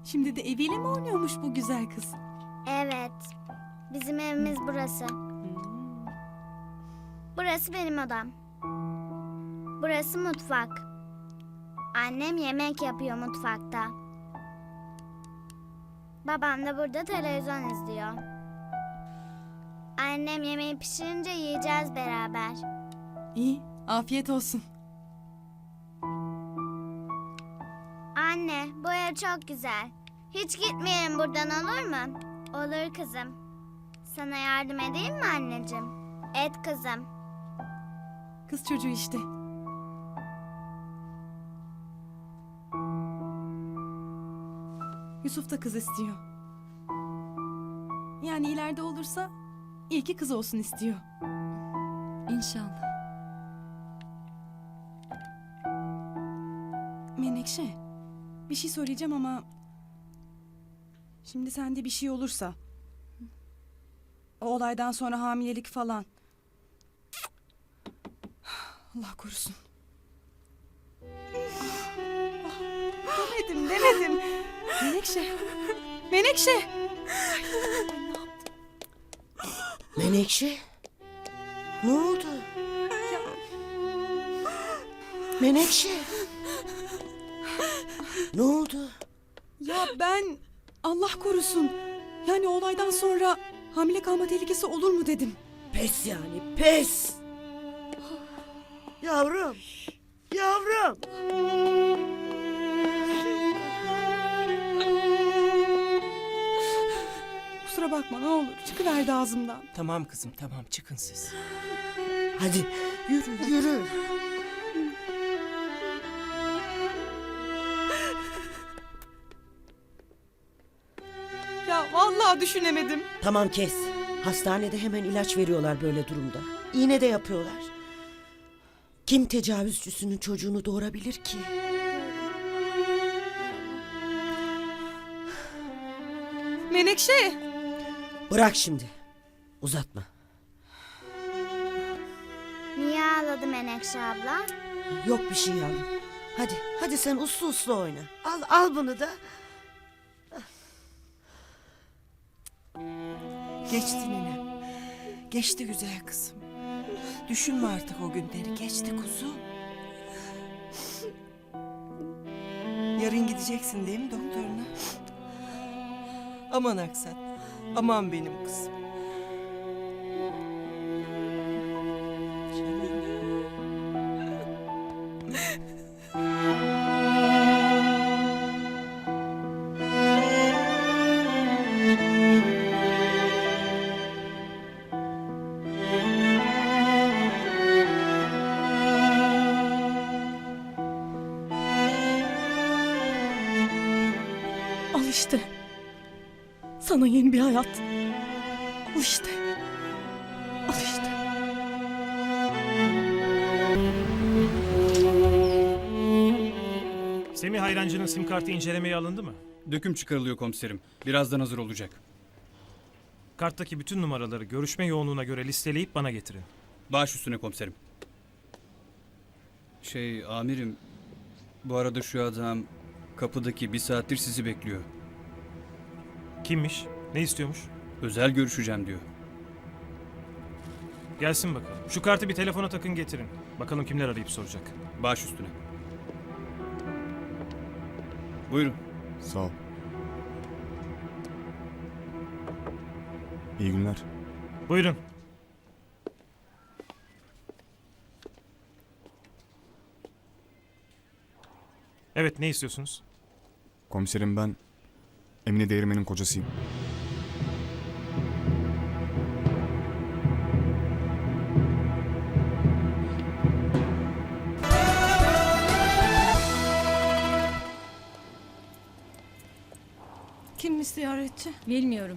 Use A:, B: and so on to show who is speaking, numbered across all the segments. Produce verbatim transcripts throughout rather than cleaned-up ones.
A: Şimdi de eviyle mi oynuyormuş bu güzel kız?
B: Evet. Bizim evimiz burası. Burası benim odam. Burası mutfak. Annem yemek yapıyor mutfakta. Babam da burada televizyon izliyor. Annem yemeği pişirince yiyeceğiz beraber.
A: İyi, afiyet olsun.
B: Anne, bu ev çok güzel. Hiç gitmeyelim buradan, olur mu? Olur kızım. Sana yardım edeyim mi anneciğim? Et kızım.
A: Kız çocuğu işte. Yusuf da kız istiyor. Yani ileride olursa iyi ki kız olsun istiyor.
C: İnşallah.
A: Menekşe, bir şey söyleyeceğim ama... Şimdi sende bir şey olursa... O olaydan sonra hamilelik falan... Allah korusun. Demedim, demedim. Menekşe, Menekşe!
D: Menekşe? Ne oldu? Menekşe? Ne oldu?
A: Ya ben... Allah korusun. Yani o olaydan sonra hamile kalma tehlikesi olur mu dedim.
D: Pes yani, pes! Yavrum, yavrum!
A: Kusura bakma ne olur, çıkıverdi ağzımdan.
E: Tamam kızım, tamam, çıkın siz.
D: Hadi yürü, yürü.
A: Ya vallahi düşünemedim.
D: Tamam kes. Hastanede hemen ilaç veriyorlar böyle durumda. İğne de yapıyorlar. Kim tecavüzcüsünün çocuğunu doğurabilir ki?
A: Menekşe!
D: Bırak şimdi. Uzatma.
B: Niye ağladı Menekşe abla?
D: Yok bir şey yavrum. Hadi, hadi sen uslu uslu oyna. Al, al bunu da.
E: Geçti nene. Geçti güzel kızım. Düşünme artık o günleri. Geçti kuzu. Yarın gideceksin değil mi doktoruna? Aman Aksat. Aman benim kızım.
A: Al işte. Sana yeni bir hayat. Al işte. Al işte.
F: Semih Hayrancı'nın sim kartı incelemeye alındı mı?
G: Döküm çıkarılıyor komiserim. Birazdan hazır olacak.
F: Karttaki bütün numaraları görüşme yoğunluğuna göre listeleyip bana getirin.
G: Baş üstüne komiserim. Şey amirim, bu arada şu adam kapıdaki bir saattir sizi bekliyor.
F: Kimmiş? Ne istiyormuş?
G: Özel görüşeceğim diyor.
F: Gelsin bakalım. Şu kartı bir telefona takın getirin. Bakalım kimler arayıp soracak.
G: Baş üstüne. Buyurun.
H: Sağ ol. İyi günler.
F: Buyurun. Evet, ne istiyorsunuz?
H: Komiserim ben Emine Değirmen'in kocasıyım.
A: Kimmiş ziyaretçi?
C: Bilmiyorum.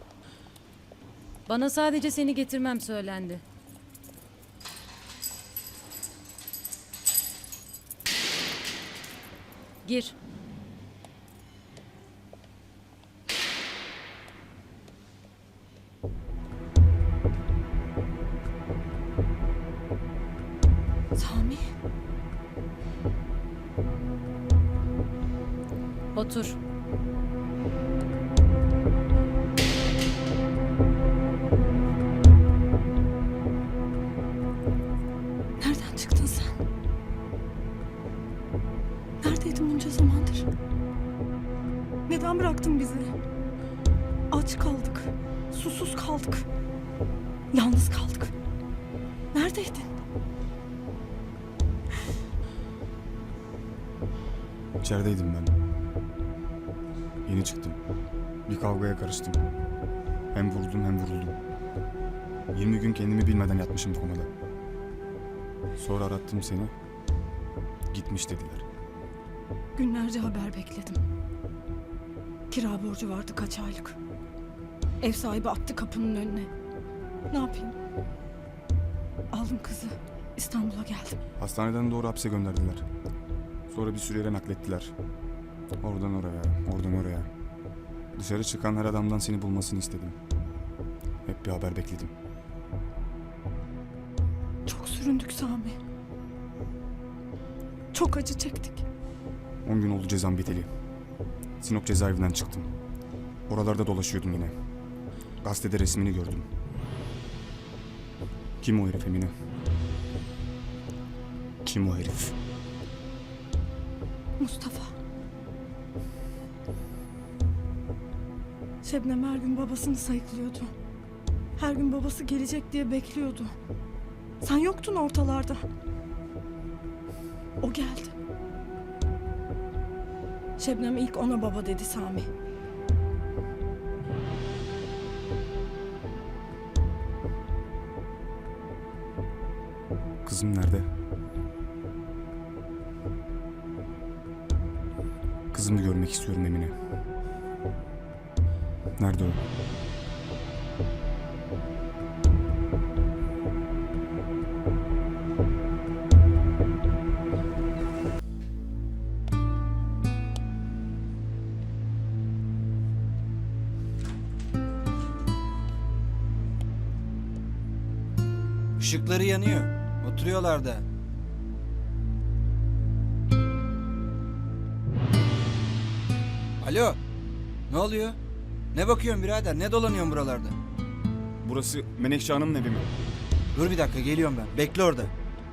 C: Bana sadece seni getirmem söylendi. Gir.
A: Sami.
C: Otur.
A: Yalnız kaldık. Neredeydin?
H: İçerideydim ben. Yeni çıktım. Bir kavgaya karıştım. Hem vuruldum hem vuruldum. yirmi gün kendimi bilmeden yatmışım komada. Sonra arattım seni. Gitmiş dediler.
A: Günlerce haber bekledim. Kira borcu vardı kaç aylık. Ev sahibi attı kapının önüne. Ne yapayım? Aldım kızı. İstanbul'a geldim.
H: Hastaneden doğru hapse gönderdiler. Sonra bir süre yere naklettiler. Oradan oraya, oradan oraya. Dışarı çıkan her adamdan seni bulmasını istedim. Hep bir haber bekledim.
A: Çok süründük Sami. Çok acı çektik.
H: On gün oldu cezam biteli. Sinop cezaevinden çıktım. Oralarda dolaşıyordum yine. Gazetede resmini gördüm. Kim o herif Emine? Kim o herif?
A: Mustafa. Şebnem her gün babasını sayıklıyordu. Her gün babası gelecek diye bekliyordu. Sen yoktun ortalarda. O geldi. Şebnem ilk ona baba dedi Sami.
H: Kızım nerede? Kızımı görmek istiyorum Emine. Nerede o?
I: Işıkları yanıyor. Oturuyorlar da. Alo. Ne oluyor? Ne bakıyorsun birader? Ne dolanıyorsun buralarda?
H: Burası Menekşe Hanım'ın evi mi?
I: Dur bir dakika geliyorum ben. Bekle orada.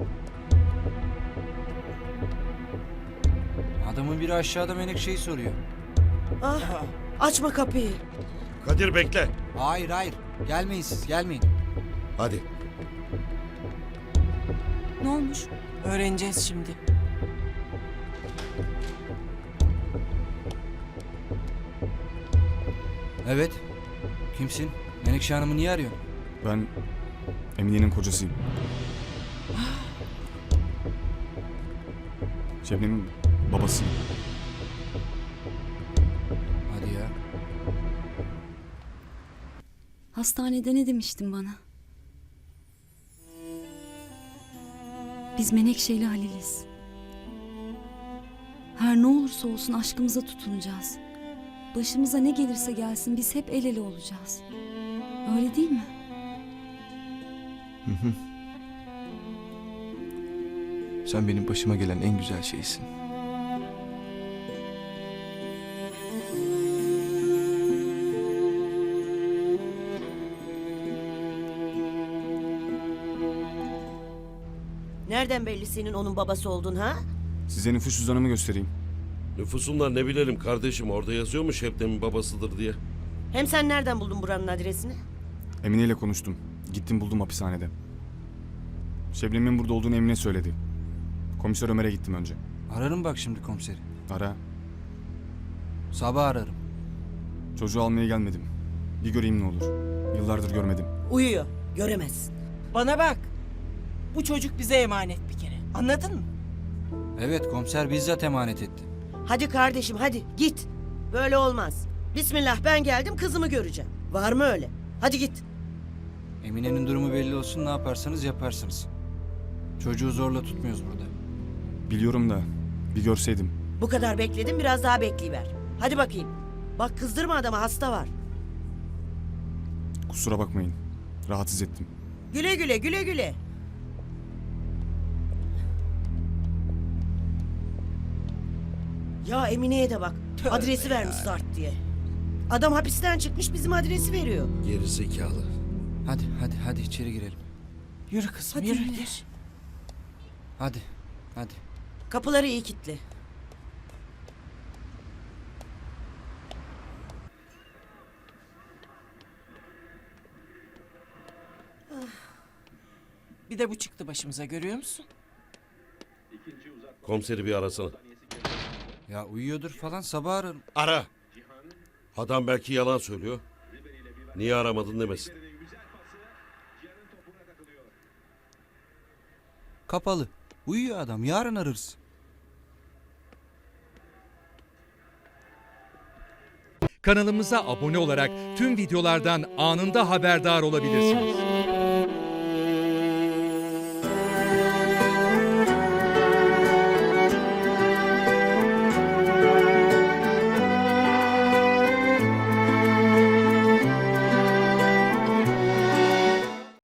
I: Adamın biri aşağıda Menekşe'yi soruyor.
D: Ah, açma kapıyı.
J: Kadir bekle.
I: Hayır hayır. Gelmeyin siz gelmeyin.
J: Hadi.
A: Ne olmuş?
E: Öğreneceğiz şimdi.
I: Evet. Kimsin? Menekşe Hanım'ı niye arıyorsun?
H: Ben Emine'nin kocasıyım. Şebnem'in babasıyım.
I: Hadi ya.
C: Hastanede ne demiştin bana? Biz Menekşe ile Halil'iz. Her ne olursa olsun aşkımıza tutunacağız. Başımıza ne gelirse gelsin biz hep el ele olacağız. Öyle değil mi?
J: Hı hı. Sen benim başıma gelen en güzel şeysin.
D: Nereden belli senin onun babası oldun ha?
H: Size nüfus cüzdanımı göstereyim.
J: Nüfusundan ne bilelim kardeşim, orada yazıyor mu Şebnem'in babasıdır diye.
D: Hem sen nereden buldun buranın adresini?
H: Emine ile konuştum. Gittim buldum hapishanede. Şebnem'in burada olduğunu Emine söyledi. Komiser Ömer'e gittim önce.
I: Ararım bak şimdi komiseri.
H: Ara.
I: Sabah ararım.
H: Çocuğu almaya gelmedim. Bir göreyim ne olur. Yıllardır görmedim.
D: Uyuyor. Göremezsin.
E: Bana bak. Bu çocuk bize emanet bir kere. Anladın mı?
I: Evet komiser bizzat emanet etti.
D: Hadi kardeşim hadi git. Böyle olmaz. Bismillah ben geldim kızımı göreceğim. Var mı öyle? Hadi git.
I: Emine'nin durumu belli olsun, ne yaparsanız yaparsınız. Çocuğu zorla tutmuyoruz burada.
H: Biliyorum da bir görseydim.
D: Bu kadar bekledim biraz daha bekleyiver. Hadi bakayım. Bak kızdırma adamı hasta var.
H: Kusura bakmayın. Rahatsız ettim.
D: Güle güle güle güle. Ya Emine'ye de bak.
E: Tövbe
D: Adresi vermiş Zart diye. Adam hapisten çıkmış bizim adresi veriyor.
J: Geri zekalı.
I: Hadi hadi hadi içeri girelim.
E: Yürü kızım
A: Hadi
E: yürü.
A: yürü.
E: Gir.
I: Hadi hadi.
D: Kapıları iyi kilitli.
E: Bir de bu çıktı başımıza, görüyor musun?
J: Komiseri bir arasana.
I: Ya uyuyordur falan, sabah ararım.
J: Ara. Adam belki yalan söylüyor. Niye aramadın demesin.
I: Kapalı. Uyuyor adam, yarın ararız.
K: Kanalımıza abone olarak tüm videolardan anında haberdar olabilirsiniz.